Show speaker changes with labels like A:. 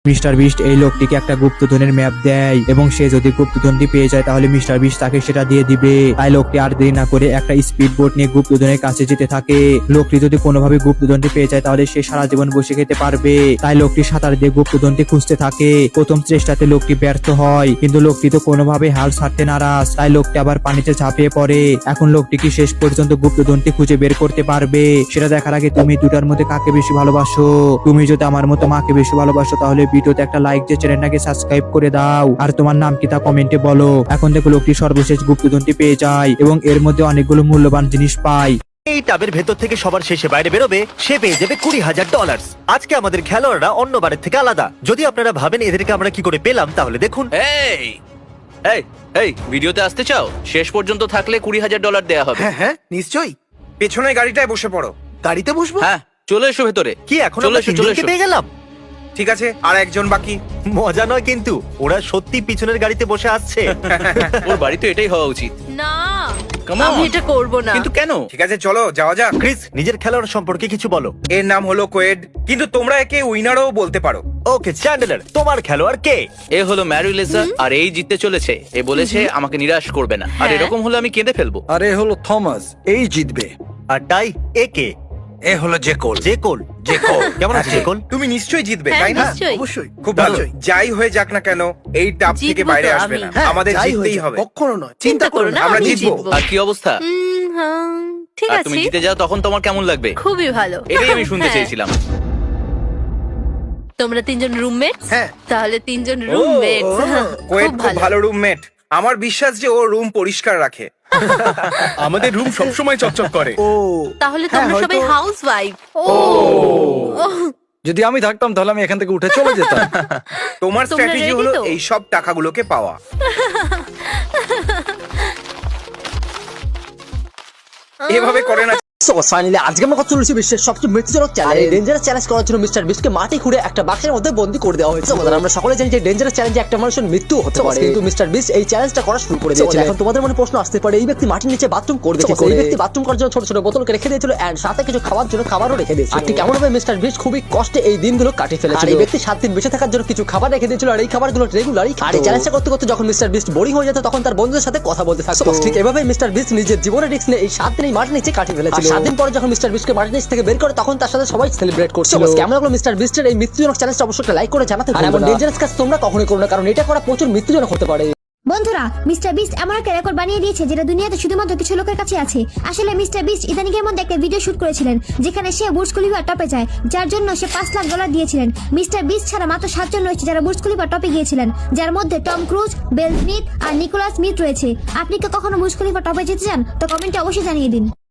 A: Mister beast এই লোকটিকে একটা গুপ্তধনের ম্যাপ দেয় এবং সে যদি গুপ্তধনটি পেয়ে যায় তাহলে মিস্টার বিস্ট তাকে সেটা দিয়ে দিবে। তাই লোকটি আর দেরি না করে একটা স্পিড বোট নিয়ে গুপ্তধনের কাছে যেতে থাকে। লোকটি যদি কোনোভাবে গুপ্তধনটি পেয়ে যায় তাহলে সে সারা জীবন বসে খেতে পারবে। তাই লোকটি সাঁতার দিয়ে গুপ্তধনটি খুঁজতে থাকে। প্রথম চেষ্টাতে লোকটি ব্যর্থ হয়, কিন্তু লোকটি তো কোনোভাবে হাল ছাড়তে নারাজ। তাই লোকটি আবার পানিতে ঝাঁপিয়ে পড়ে। এখন লোকটি কি শেষ পর্যন্ত গুপ্তধনটি খুঁজে বের করতে পারবে সেটা দেখার আগে তুমি দুটার মধ্যে কাকে বেশি ভালোবাসো? তুমি যদি আমার মতো মাকে বেশি ভালোবাসো তাহলে ভিডিওতে একটা লাইক দিয়ে চ্যানেলটাকে সাবস্ক্রাইব করে দাও, আর তোমার নাম কি তা কমেন্টে বলো। এখন দেখো লোকটি সর্বশেষ গুপ্তধনটি পেয়ে যায় এবং এর মধ্যে অনেকগুলো মূল্যবান জিনিস পায়।
B: এই টাবের ভেতর থেকে সবার শেষে বাইরে বেরোবে সে পেয়ে যাবে $20,000। আজকে আমাদের খেলোয়াড়রা অন্য বারের থেকে আলাদা। যদি আপনারা ভাবেন এদেরকে আমরা কি করে পেলাম তাহলে দেখুন।
C: এই এই এই ভিডিওতে আসতে চাও? শেষ পর্যন্ত থাকলে $20,000 দেয়া হবে।
D: হ্যাঁ হ্যাঁ নিশ্চয়ই। পেছনের গাড়িটায় বসে পড়ো। গাড়িতে বসবো?
C: হ্যাঁ, চলে এসো ভেতরে।
B: কি এখন
C: চলে
B: আমরা
C: এসো, চলে
B: তিনজনকে
C: এসো।
B: পেয়ে গেলাম?
D: ঠিক আছে, আর একজন বাকি।
B: মজা নয় কিন্তু, ওরা সত্যি পিছনের গাড়িতে বসে আসছে।
C: ওর বাড়ি তো এটাই হওয়া উচিত।
E: না
C: Come on.
E: আমি এটা করব না।
C: কিন্তু কেন?
D: ঠিক আছে চলো যাওয়া যাক।
B: ক্রিস, নিজের খেলোয়াড় সম্পর্কে কিছু বলো।
D: এর নাম হলো কোয়েড, কিন্তু তোমরা একে উইনারও বলতে পারো।
B: ওকে চ্যান্ডেলার, তোমার খেলোয়াড় কে?
C: এ হলো ম্যারিলেসা, আর এই জিততে চলেছে। এ বলেছে আমাকে নিরাশ করবে না, আর
E: হ্যাঁ।
C: এরকম হলে আমি কেঁদে ফেলবো।
F: আর এ হলো থমাস, এই জিতবে।
B: আর টাই এ কে?
F: এ হলো জেকোল।
B: জেকোল।
D: জেকোল।
B: কেমন আছে জেকোল?
D: তুমি নিশ্চয়ই জিতবে,
E: হ্যাঁ,
D: তাই না?
E: নিশ্চয়ই।
D: অবশ্যই, খুব ভালো। যাই হয়ে যাক না কেন এই টাপ থেকে
E: জিতবো
D: বাইরে
E: তো
D: আসবে
E: আমি।
D: না।
E: হ্যাঁ,
D: আমাদের জিততেই হবে।
F: কখনো নয়।
E: চিন্তা করো না,
D: আমরা
E: আমি
D: জিতবো।
E: জিতবো।
C: আর কি অবস্থা?
E: ঠিক
C: আর
E: আছে,
C: তুমি জিতে যাও তখন তোমার কেমন লাগবে?
E: খুবই ভালো।
C: এটাই আমি শুনতে
E: হ্যাঁ।
C: চেয়েছিলাম।
E: তোমরা তিনজন রুমমেট?
D: হ্যাঁ।
E: তাহলে তিনজন রুমমেট।
D: কোয়েড
E: খুব
D: খুব
E: ভালো।
D: ভালো রুমমেট। আমার বিশ্বাস যে ও রুম পরিষ্কার রাখে।
G: আমাদের রুম সবসময় চকচক করে।
F: ও,
E: তাহলে
F: হ্যাঁ,
E: তোমরা সবাই
F: হয়তো-
E: হাউস ওয়াইফ।
F: যদি আমি থাকতাম তাহলে আমি এখান থেকে উঠে চলে যেতাম।
D: তোমার
E: তোমরা
D: স্ট্র্যাটেজি
E: ready
D: হলো
E: তো?
D: এই সব টাকাগুলোকে পাওয়া। এভাবে করে না।
H: সো ফাইনালি আজকে আমরা কথা চলেছি বিশ্বের সবচেয়ে মৃত্যুজনক চ্যালেঞ্জ। ডেঞ্জারাস চ্যালেঞ্জ করার জন্য মিস্টার বিস্টকে মাটি খুঁড়ে একটা বাক্সের মধ্যে বন্দী করে দেওয়া হয়েছে। আমরা সকলে জানি যে ডেঞ্জারাস চ্যালেঞ্জে একটা মানুষের মৃত্যু হতে পারে, কিন্তু মিস্টার বিস্ট এই চ্যালেঞ্জটা করা শুরু করে দিয়েছে। এখন তোমাদের মনে প্রশ্ন আসতে পারে এই ব্যক্তি মাটির নিচে বাথরুম করবে কি করে? এই ব্যক্তি বাথরুম করার জন্য ছোট ছোট বোতলকে রেখে দিয়েছিল এন্ড সাথে কিছু খাওয়ার জন্য খাবারও রেখে দিয়েছিল। আর ঠিক কেমন ভাবে মিস্টার বিস্ট খুবই কষ্টে এই দিনগুলো কাটিয়ে ফেলেছিল। আর এই ব্যক্তি 7 দিন বেঁচে থাকার জন্য কিছু খাবার রেখে দিয়েছিল, আর এই খাবারগুলো রেগুলারই। আর এই চ্যালেঞ্জটা করতে করতে যখন মিস্টার বিস্ট বোরিং হয়ে যেত তখন তার বন্ধুদের সাথে কথা বলতে থাকতো। ঠিক এভাবে মিস্টার বিস্ট নিজের জীবনের রিস্ক নিয়ে এই 7 দিন এই মাটির নিচে কাটিয়ে ফেলেছিল। 7 দিন পরে যখন মিস্টার বিস্টকে মাটির নিচ থেকে বের করে তখন তার সাথে সবাই সেলিব্রেট করছিল। কেমন লাগলো মিস্টার বিস্টের এই মৃত্যুজনক চ্যালেঞ্জটা অবশ্যই একটা লাইক করে জানাতে ভুলবেন না। আর এমন ডেঞ্জারাস কাজ তোমরা কখনোই করো না, কারণ এটা করা প্রচুর মৃত্যুজনক হতে পারে।
I: বন্ধুরা, মিস্টার বিস্ট এমন একটা রেকর্ড বানিয়ে দিয়েছে যেটা দুনিয়াতে শুধুমাত্র কিছু লোকের কাছে আছে। আসলে মিস্টার বিস্ট ইদানিং এর মধ্যে একটা ভিডিও শুট করেছিলেন যেখানে সে বুর্জ খলিফা টপে যায়, যার জন্য সে $5 লাখ দিয়েছিলেন। মিস্টার বিস্ট ছাড়া মাত্র 7 জন রয়েছে যারা বুর্জ খলিফা টপে গিয়েছিলেন, যার মধ্যে টম ক্রুজ, বেল স্মিথ আর নিকোলাস স্মিথ রয়েছে। আপনি কি কখনো বুর্জ খলিফা টপে যেতে চান? তো কমেন্টে অবশ্যই জানিয়ে দিন।